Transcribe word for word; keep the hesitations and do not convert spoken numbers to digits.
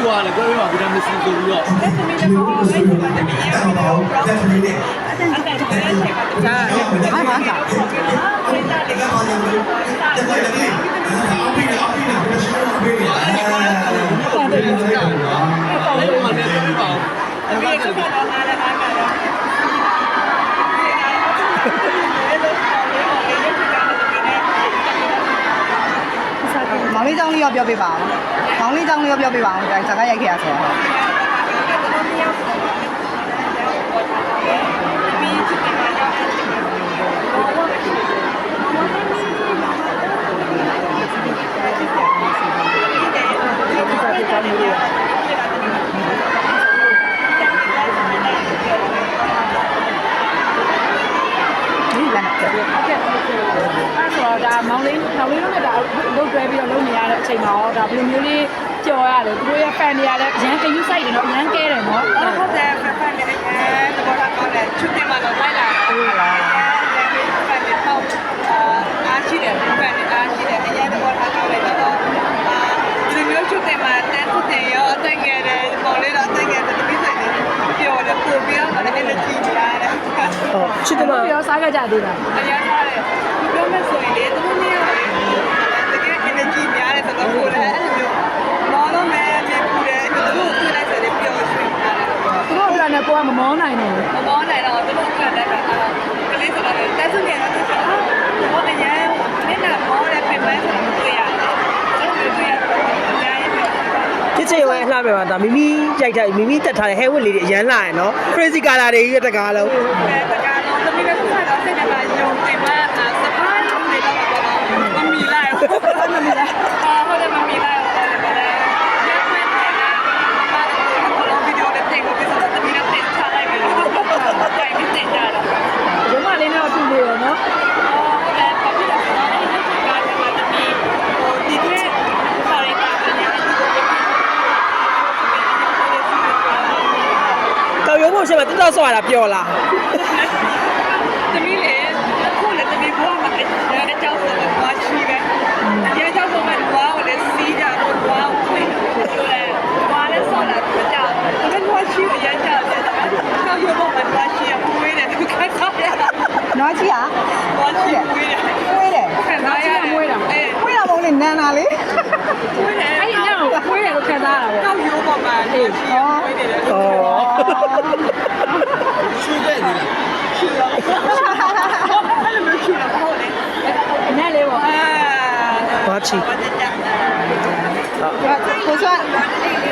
ပြောရလဲပြောရမှာဗီတာမင် C ဆိုပြီးတော့အဲ့သမီးလည်းပေါ့အဲ့ဒီမှာတမီးရဲ့ဗီဒီယိုဘလော့အဲ့ဒါနဲ့ဒါဘာမှမကဘူးဒါလေးကဘာလဲဒါလေးအော်ပြီးတော့ပြီးတော့ဘယ်လိုရှိလဲပြီးတော့အဲ့ဒါလည်းပြောတာနော်အဲ့ဒါလည်းပြောနေပါဦးအဲ့ဒါကတော့အားလည်းအားကတော့မောင်လေးကြောင်းလေးရောပြောပြပါအောင်မောင်လေးကြောင်းလေးရောပြောပြပါအောင်ဒါစကားရိုက်ခဲ့ရဆိုတော့ဒါမောင်လေးမောင်လေးတို့နဲ့ဒါလုတ်တွဲပြီးတော့လုပ်နေရတဲ့အချိန်မှာတော့ဒါဘယ်လိုမျိုးလေးကြော်ရတယ်သူတို့ရဲ့ fan တွေကလည်းအရန်ကယူဆိုင်တယ်နော်အရန်ကဲတယ်နော်ဟုတ်တယ် fan တွေအရန်တော့ကောင်းတယ်ချွတ်တင်မှာတော့လိုက်လာဟုတ်လား fan တွေတော့အားရှိတယ် fan တွေအားရှိတယ်အရန်တော့ကောင်းတယ်တော့အာဒီမျိုးချွတ်တင်မှာတန်းချွတ်တင်ရောအသက်ငယ်တယ်ပေါ်လေးတော့အသက်ငယ်တယ်တပိဆိုင်တယ်ပျော်တယ်ပို့ပြီးတော့လည်း energy ရတယ်ဟုတ်ချစ်တယ်မပြောစားကြကြသေးတာအရန်စားတယ်ပြောမယ်ဆိုရင်လေသူတို့မျိုးတကယ် energy များတယ်ဆိုတော့ကိုယ်လည်းအဲ့လိုမျိုးမောတော့မယ်မြေပူတယ်သူတို့ကိုတွေ့လိုက်ဆိုရင်ပျော်ရွှင်လာတယ်သူတို့ကလည်းကိုယ်ကမမောနိုင်ဘူးမမောနိုင်တော့သူတို့ကလည်းကလေးဆိုတော့တက်စုနေတော့သူကဟောအရန်နဲ့နာမောတဲ့ပြင်ပန်းဆိုတော့တွေ့ရတယ်အဲ့လိုတွေ့ရတော့အများကြီးပြောချစ်ချင်ဝဲလှပြပါဒါမိမိကြိုက်တဲ့မိမိတက်ထားတဲ့ hair wig လေးတွေအရန်လာရယ်နော် crazy color တွေကြီးတကားလုံးအဲတကားလုံးသမီးလည်းဆက်တော့စိတ်ထဲမှာယုံတင်မှာစပားလေးတွေတော့မမီလိုက်မမီလိုက်အာဟုတ်တယ်မမီလိုက်ဟုတ်တယ်ရခွင့်တယ်လားဘာလို့ဗီဒီယိုနဲ့တင်ကိုပြဿနာသမီးနဲ့တင်ချလိုက်ပြီလို့တိုင်ပြီးတင်ကြတာရုံးမလေးနဲ့အတူနေရောနော်အော်ဟုတ်တယ်ဘာဖြစ်လဲဆိုတော့အဲ့ဒီကားကသမီးဟိုဒီတဲ့ခေါ်ရတာကလည်းဒီကိုကောက်ရုံးဖို့ရှိမှတက်တော့ဆော့ရတာပျော်လားသမီးလေခုလည်းသမီးဘွားမှာအကြောင်းဆိုတော့ဘာရှိပဲရဲကြောင့်ဆိုမှဘွားကိုလည်းစီးကြတော့ဘွားကိုတွေ့လို့လေဘွားလည်းဆော့လာတော့ကြောက်ဒါပေမဲ့ဘွားရှိရကြတယ်ကောက်ရုံးဖို့မှာဘွားရှိရပွေးတယ်သူကဆော့ရနွားရှိရဘွားရှိပွေးတယ်ပွေးတယ်ခံစားရတယ်ပွေးတာအဲပွေးတာမဟုတ်လေနန်းတာလေပွေးတယ်အဲ့ဒီညကိုပွေးတယ်လို့ခံစားရတာပေါ့ကောက်ရုံးပေါ်မှာအေးဟောပွေးတယ်လေဟောရွှေတဲ့နေလားရှိရောအဲ့လိုမျိုးရှိတော့ဟုတ်လေနည်းလေးပေါ့အာဘာချီကိုစွတ်